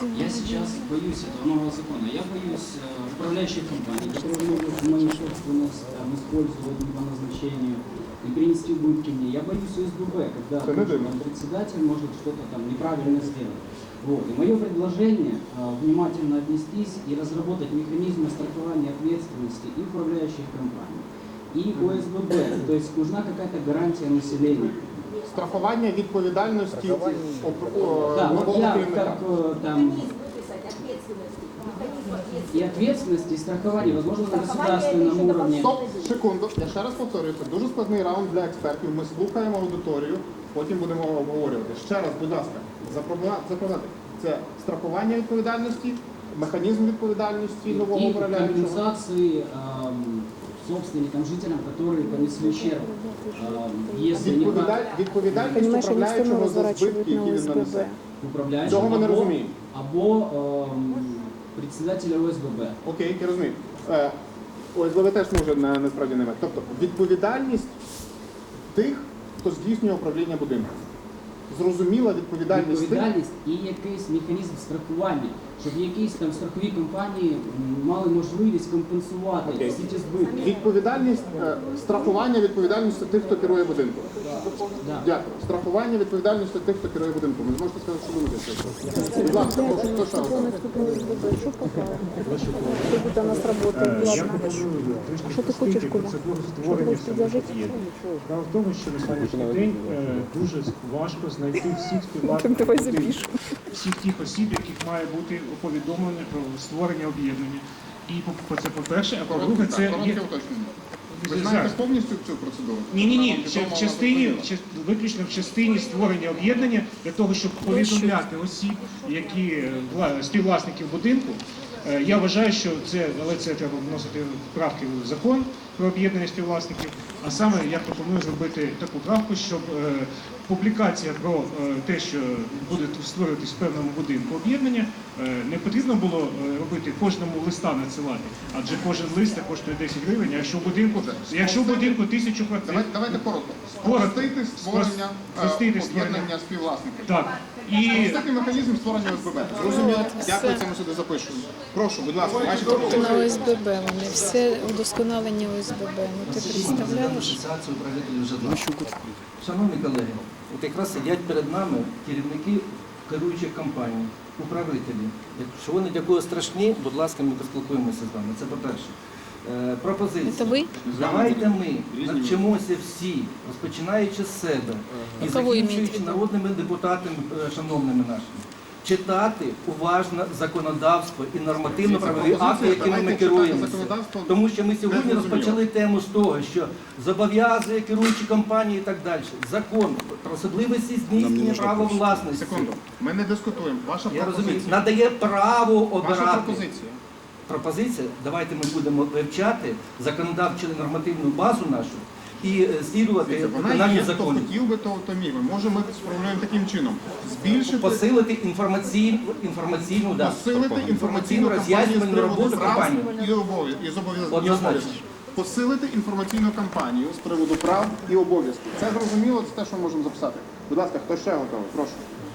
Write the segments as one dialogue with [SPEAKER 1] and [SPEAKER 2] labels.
[SPEAKER 1] Я сейчас боюсь этого нового закона. Я боюсь управляющих компаний, которые могут мою собственность использовать не по назначению и принести убытки мне. Я боюсь ОСББ, когда председатель может что-то там неправильно сделать. Вот. И мое предложение внимательно отнестись и разработать механизмы страхования ответственности и управляющих компаний, и ОСББ. То есть нужна какая-то гарантия населения.
[SPEAKER 2] Страхування відповідальності
[SPEAKER 1] да, вот я как там и ответственности, и страхования, возможно, на государственном уровне.
[SPEAKER 2] Стоп, секунду. Я ще раз повторюю, це дуже складний раунд для експертів. Ми слухаємо аудиторію, потім будемо обговорювати. Ще раз, будь ласка, запровадити. Це страхування відповідальності, механізм відповідальності нового управляючого.
[SPEAKER 1] И компенсации собственникам, жителям, которые понесли ущерб.
[SPEAKER 2] Відповідальність управляючого за збитки, які він нанесе. Цього ми не розуміємо.
[SPEAKER 1] Або председателя ОСББ.
[SPEAKER 2] Окей, я розумію. ОСББ теж може насправді не мати. Тобто відповідальність тих, хто здійснює управління будинком. Зрозуміла відповідальність
[SPEAKER 1] і якийсь механізм страхування, щоб якісь там страхові компанії мали можливість компенсувати всі ті збитки.
[SPEAKER 2] Відповідальність, страхування відповідальності тих, хто керує будинком.
[SPEAKER 1] Да.
[SPEAKER 2] Дякую. Страхування відповідальності тих, хто керує будинком. Ви зможете сказати, що думаєте? Будь ласка, прошу, хто ще раз?
[SPEAKER 3] Когда у нас работает главное. Что ты хочешь, Коля? Что ты хочешь предложить?
[SPEAKER 4] Справа в тому, що на сьогоднішній день дуже важко знайти всіх
[SPEAKER 3] Давай запишем.
[SPEAKER 4] всіх тих осіб, яких має бути повідомлено про створення об'єднання. І це по-перше, а по-друге, це є...
[SPEAKER 2] Коротке уточнення. Ви знаєте повністю цю процедуру?
[SPEAKER 4] Ні. Виключно в частині створення об'єднання для того, щоб повідомляти осіб, які співвласників будинку. Я вважаю, що це треба вносити правки в закон про об'єднання співвласників, а саме я пропоную зробити таку правку, щоб публікація про те, що буде створюватись в певному будинку об'єднання, не потрібно було робити кожному листа надсилати, адже кожен лист коштує 10 гривень, а якщо в будинку 1000 квартир.
[SPEAKER 2] Давайте коротко. Спростити створення об'єднання співвласників.
[SPEAKER 4] Так.
[SPEAKER 2] Спростити механізм створення ОСББ. Зрозуміло. Дякую, це ми сюди запишемо. Прошу, будь ласка, ваші пропозиції.
[SPEAKER 3] На ОСББ вони, все удосконалення ОСББ. Ну ти представляєш?
[SPEAKER 5] Асоціацію управителів житла. Шановні колеги, от якраз сидять перед нами керівники керуючих компаній, управителі. Якщо вони для кого страшні, будь ласка, ми поспілкуємося з вами. Це по-перше. Пропозиція.
[SPEAKER 3] Це ви?
[SPEAKER 5] Давайте ми навчимося всі, розпочинаючи з себе і закінчуючи народними депутатами, шановними нашими, читати уважно законодавство і нормативно-правові акти, якими ми керуємося. Тому що ми сьогодні розпочали тему з того, що зобов'язує керуючі компанії і так далі. Закон про особливості здійснення права власності.
[SPEAKER 2] Секунду, ми не дискутуємо. Ваша
[SPEAKER 5] Я розумію,
[SPEAKER 2] пропозиція.
[SPEAKER 5] надає право обирати.
[SPEAKER 2] Ваша пропозиція.
[SPEAKER 5] Пропозиція, давайте ми будемо вивчати законодавчу нормативну базу нашу і слідувати
[SPEAKER 2] Вона
[SPEAKER 5] виконанню
[SPEAKER 2] є, хто
[SPEAKER 5] законів.
[SPEAKER 2] хотів би, то міг. Може, ми сформулюємо таким чином. Збільшити,
[SPEAKER 5] Посилити інформаційну роз'яснювальну роботу компанії.
[SPEAKER 2] і зобов'язань.
[SPEAKER 5] Однозначно.
[SPEAKER 2] Посилити інформаційну кампанію з приводу прав і обов'язків. Це зрозуміло, це те, що ми можемо записати. Будь ласка, хто ще готовий? Прошу.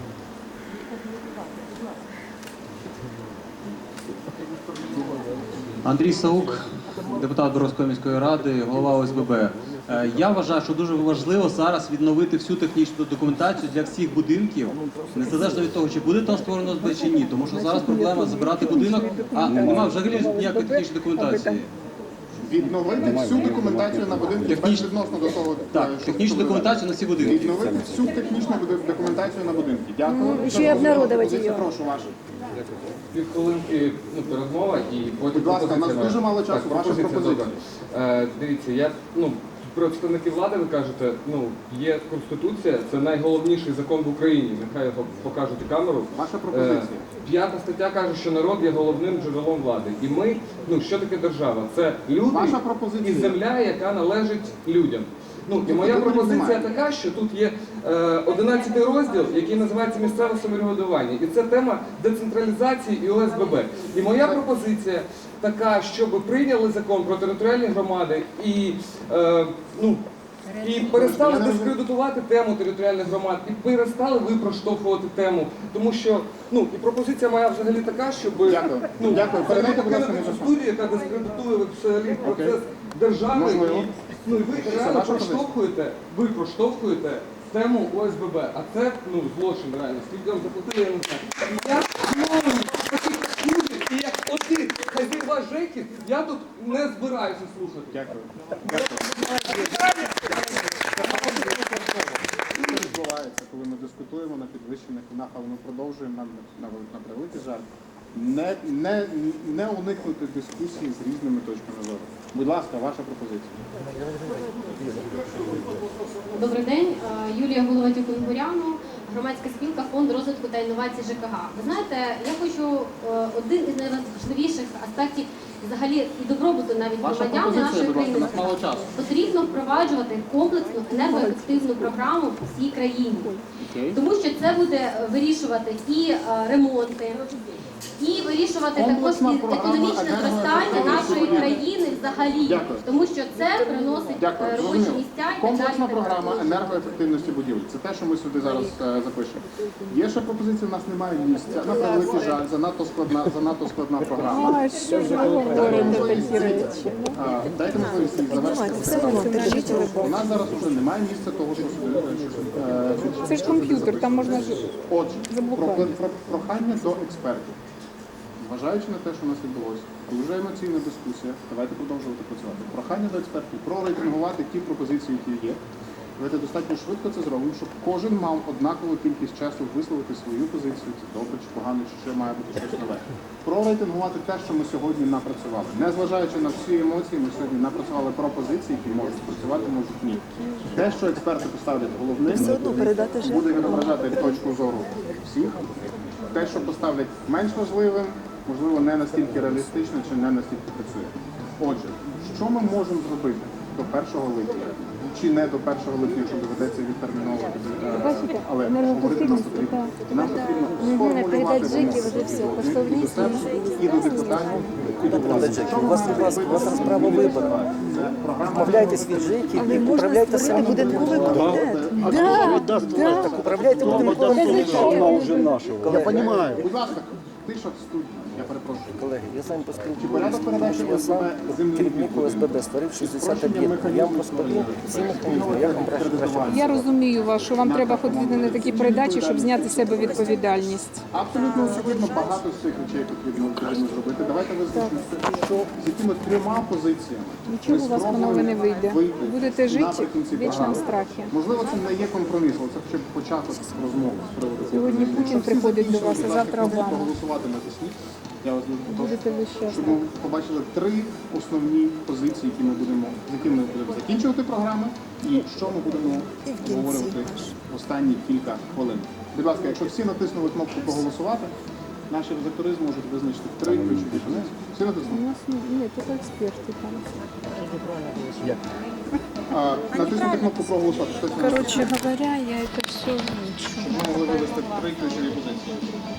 [SPEAKER 6] Андрій Саук, депутат Боровської міської ради, голова ОСББ. Я вважаю, що дуже важливо зараз відновити всю технічну документацію для всіх будинків, незалежно від того, чи буде там створено ОСББ чи ні. Тому що зараз проблема забирати будинок, а немає взагалі ніякої технічної документації.
[SPEAKER 2] Відновити всю документацію на будинку безвідносно до того.
[SPEAKER 6] Так, технічну документацію на всі будинки.
[SPEAKER 2] Відновити всю технічну документацію на будинки. Дякую.
[SPEAKER 3] Ще й обнародувати її.
[SPEAKER 2] Прошу, ваше.
[SPEAKER 7] Півхвилинки передмова і потім
[SPEAKER 2] Будь ласка, у нас
[SPEAKER 7] пропозиція.
[SPEAKER 2] дуже мало часу.
[SPEAKER 7] Так,
[SPEAKER 2] Ваша пропозиція.
[SPEAKER 7] добре. Дивіться, я представники влади, ви кажете, є Конституція, це найголовніший закон в Україні. Нехай його покажуть і камеру.
[SPEAKER 2] Ваша пропозиція.
[SPEAKER 7] 5 стаття каже, що народ є головним джерелом влади. І ми, що таке держава? Це люди
[SPEAKER 2] Ваша пропозиція.
[SPEAKER 7] і земля, яка належить людям. І моя пропозиція така, що тут є 11 розділ, який називається «Місцеве самоврядування». І це тема децентралізації і ОСББ. І моя пропозиція така, щоб прийняли закон про територіальні громади і І перестали дискредитувати тему територіальних громад, і перестали ви проштовхувати тему. Тому що, і пропозиція моя взагалі така, щоб
[SPEAKER 2] Дякую. Дякую. Передайте, будь ласка,
[SPEAKER 7] покинути цю
[SPEAKER 2] мікрофон.
[SPEAKER 7] студію, яка дискредитує взагалі процес держави.
[SPEAKER 2] Можливо.
[SPEAKER 7] І ви реально
[SPEAKER 2] ваша позиція.
[SPEAKER 7] проштовхуєте тему ОСББ, а це злочин реально. Скільки вам заплатили, я не знаю. І я знову таких слухів, і як один хазяїва ЖЕКів, я тут не збираюся слухати.
[SPEAKER 2] Дякую. Що відбувається, коли ми дискутуємо на підвищених тонах, але ми продовжуємо на превеликий жаль, не уникнути дискусії з різними точками зору. Будь ласка, ваша пропозиція.
[SPEAKER 8] Добрий день, Юлія Головатюк-Унгуряну, громадська спілка Фонд розвитку та інновацій ЖКГ. Ви знаєте, я хочу один із найважливіших аспектів взагалі і добробуту навіть громадян нашої країни. Потрібно впроваджувати комплексну енергоефективну програму в всій країні. Тому що це буде вирішувати і ремонти, і вирішувати також і економічне зростання нашої країни взагалі. Тому що це приносить робочі місця і так
[SPEAKER 2] Комплексна
[SPEAKER 8] далі.
[SPEAKER 2] програма енергоефективності будівель. Це те, що ми сюди зараз запишемо. Є ще пропозиція, у нас немає місця. На превеликий жаль, занадто складна програма.
[SPEAKER 3] А що ж ви говорите такі речі?
[SPEAKER 2] Дайте можливість їх завершити. У нас зараз вже немає місця того, що
[SPEAKER 3] Це ж комп'ютер, там можна ж
[SPEAKER 2] Отже,
[SPEAKER 3] заблокувати.
[SPEAKER 2] прохання до експертів. Зважаючи на те, що у нас відбулося, дуже емоційна дискусія, давайте продовжувати працювати. Прохання до експертів прорейтингувати ті пропозиції, які є. Давайте достатньо швидко це зробимо, щоб кожен мав однакову кількість часу висловити свою позицію, це добре чи погано, чи ще має бути щось нове. Прорейтингувати те, що ми сьогодні напрацювали. Незважаючи на всі емоції, ми сьогодні напрацювали пропозиції, які можуть працювати, можуть ні. Те, що експерти поставлять головним, буде відображати точку зору всіх. Те, що поставлять менш важливим, можливо, не настільки реалістично чи не настільки працює. Отже, що ми можемо зробити до 1 липня? Чи не до 1 липня, якщо доведеться відтерміновувати, але говорити нам потрібно. Нам потрібно сформулювати вимоги до себе, і до депутатів, і до влади.
[SPEAKER 9] У вас розправа виборна. Вмовляйтесь від ЖЕКів і управляйте самі. Так управляйте будинковим комітетом.
[SPEAKER 2] Я розумію. Будь ласка, тиша в студії. Я перепрошую.
[SPEAKER 9] Колеги, я з вами
[SPEAKER 2] Порядок передачі
[SPEAKER 9] поспілкуюся. Я сам керівник ОСББ, створив 60 об'єктів. Я вам розповім всі механізми, як вам краще.
[SPEAKER 3] Я розумію вас, що вам треба ходити на такі передачі, щоб зняти з себе відповідальність.
[SPEAKER 2] Абсолютно очевидно, багато з цих речей потрібно зробити. Давайте визначимося, що з якими 3 позиціями
[SPEAKER 3] Нічого у вас по-нове не вийде. Будете жити в вічному страхі.
[SPEAKER 2] Можливо, це не є компроміс, але це хоча б початок розмови з приводу цього.
[SPEAKER 3] Сьогодні Путін приходить до вас, а завтра
[SPEAKER 2] Обама.
[SPEAKER 3] Обама.
[SPEAKER 2] Голосувати натисніть. Я вас дуже прошу,
[SPEAKER 3] Будете ви щасливі.
[SPEAKER 2] щоб ми побачили 3 основні позиції, з якими ми будемо закінчувати програму, і що ми будемо обговорювати в останні кілька хвилин. Будь ласка, якщо всі натиснули кнопку проголосувати, наші редактори зможуть визначити 3 ключові позиції. Всі
[SPEAKER 3] У
[SPEAKER 2] натиснули?
[SPEAKER 3] нас нет, это експерти там.
[SPEAKER 2] Натиснути кнопку проголосувати. Хтось не
[SPEAKER 3] Короче говоря, я это все лучше.
[SPEAKER 2] Щоб ми могли вивести 3 ключові позиції.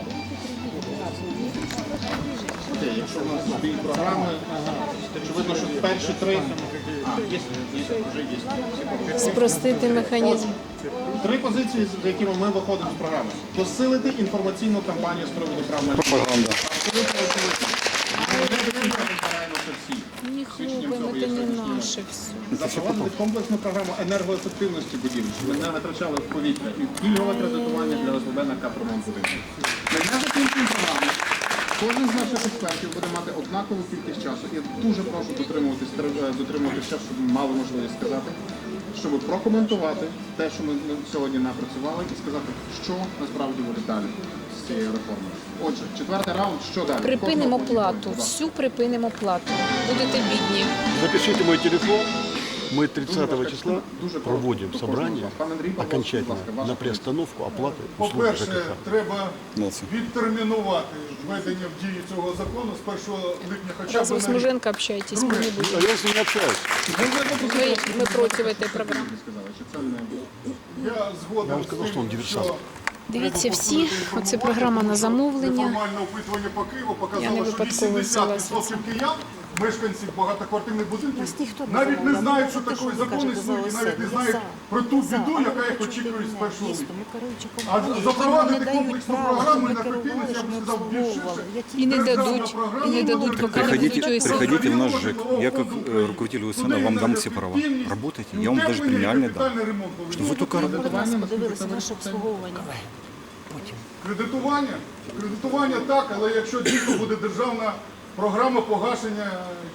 [SPEAKER 2] Окей, якщо в нас дві програми, очевидно, що перші 3... є, вже є.
[SPEAKER 3] Спростити механізм.
[SPEAKER 2] 3 позиції, з якими ми виходимо з програми. Посилити інформаційну кампанію з приводу прав на пропаганда. Абсолютно очевидно. Ми не до кінця розбираємося всі.
[SPEAKER 3] Не хлопаем, это не наше все.
[SPEAKER 2] Запровадити комплексну програму енергоефективності будівель, щоб ми не витрачали в повітря, і пільгове кредитування для ОСББ на капремонт будинку. Ми не закінчуємо програму. Кожен з наших експертів буде мати однакову кількість часу. Я дуже прошу дотримуватися часу, щоб ми мали можливість сказати, щоб прокоментувати те, що ми сьогодні напрацювали, і сказати, що насправді буде далі з цією реформою. Отже, 4-й раунд, що далі?
[SPEAKER 3] Припинимо
[SPEAKER 2] Кожного
[SPEAKER 3] плату,
[SPEAKER 2] будь ласка.
[SPEAKER 3] всю припинимо плату. Будете бідні.
[SPEAKER 10] Запишите мой телефон. Мы 30 числа
[SPEAKER 2] Дуже
[SPEAKER 10] проводим
[SPEAKER 2] прошу.
[SPEAKER 10] собрание
[SPEAKER 2] Пан Андрій, будь
[SPEAKER 10] окончательно
[SPEAKER 2] ласка, ваша
[SPEAKER 10] на приостановку оплаты услуг
[SPEAKER 11] По-перше,
[SPEAKER 10] ЖКХ.
[SPEAKER 11] треба відтермінувати введення в дію цього закону з 1 липня хоча
[SPEAKER 3] Раз
[SPEAKER 11] б
[SPEAKER 3] вы с
[SPEAKER 11] на рік.
[SPEAKER 3] Муженко общаетесь, мы не будем.
[SPEAKER 10] А я с ним не общаюсь.
[SPEAKER 3] Мы против этой программы.
[SPEAKER 2] сказали, що це не
[SPEAKER 11] Я згоден
[SPEAKER 10] Я вам
[SPEAKER 11] з
[SPEAKER 10] сказав, що
[SPEAKER 11] тим,
[SPEAKER 10] він диверсант.
[SPEAKER 11] що
[SPEAKER 3] Дивіться всі, оце програма на замовлення.
[SPEAKER 11] неформальне опитування по Києву
[SPEAKER 3] Я не
[SPEAKER 11] показало, що
[SPEAKER 3] випадково взяла
[SPEAKER 11] 80% киян мешканців багатоквартирних будинків
[SPEAKER 3] Нас ніхто не
[SPEAKER 11] навіть не
[SPEAKER 3] замовляв.
[SPEAKER 11] знають,
[SPEAKER 3] Ви
[SPEAKER 11] що
[SPEAKER 3] за те,
[SPEAKER 11] такий
[SPEAKER 3] що ви
[SPEAKER 11] закон
[SPEAKER 3] кажете
[SPEAKER 11] існує, і
[SPEAKER 3] за
[SPEAKER 11] навіть не
[SPEAKER 3] ОСН.
[SPEAKER 11] знають
[SPEAKER 3] За.
[SPEAKER 11] про ту
[SPEAKER 3] За.
[SPEAKER 11] біду,
[SPEAKER 3] Але
[SPEAKER 11] яка їх
[SPEAKER 3] ви
[SPEAKER 11] очікує з
[SPEAKER 3] чуєте
[SPEAKER 11] 1
[SPEAKER 3] мене?
[SPEAKER 11] липня.
[SPEAKER 3] Дійсно, ми керуюча
[SPEAKER 11] А
[SPEAKER 3] компанія, які
[SPEAKER 11] запровадити
[SPEAKER 3] не дають
[SPEAKER 11] комплексну
[SPEAKER 3] права,
[SPEAKER 11] програму
[SPEAKER 3] щоб
[SPEAKER 11] і
[SPEAKER 3] ми
[SPEAKER 11] ефективність, я б
[SPEAKER 3] керували,
[SPEAKER 11] сказав, більш
[SPEAKER 3] щоб ми
[SPEAKER 11] ширше.
[SPEAKER 3] обслуговували.
[SPEAKER 12] І не
[SPEAKER 11] Державна
[SPEAKER 12] дадуть,
[SPEAKER 11] програма
[SPEAKER 12] і не дадуть, поки не
[SPEAKER 10] Приходите,
[SPEAKER 12] будуть ОСН.
[SPEAKER 10] приходите в наш ЖЭК. Я как руководитель ОСН вам дам все права. Работайте, я вам даже премиальный дам. Что вы только
[SPEAKER 3] Будь ласка, подивилися наше обслуговування.
[SPEAKER 11] Кредитування? Кредитування так, але якщо дійсно буде державна програма погашення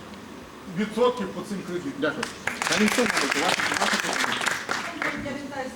[SPEAKER 11] відсотків по цим кредитам.
[SPEAKER 2] Дякую. Та ніхто не буде. Ваша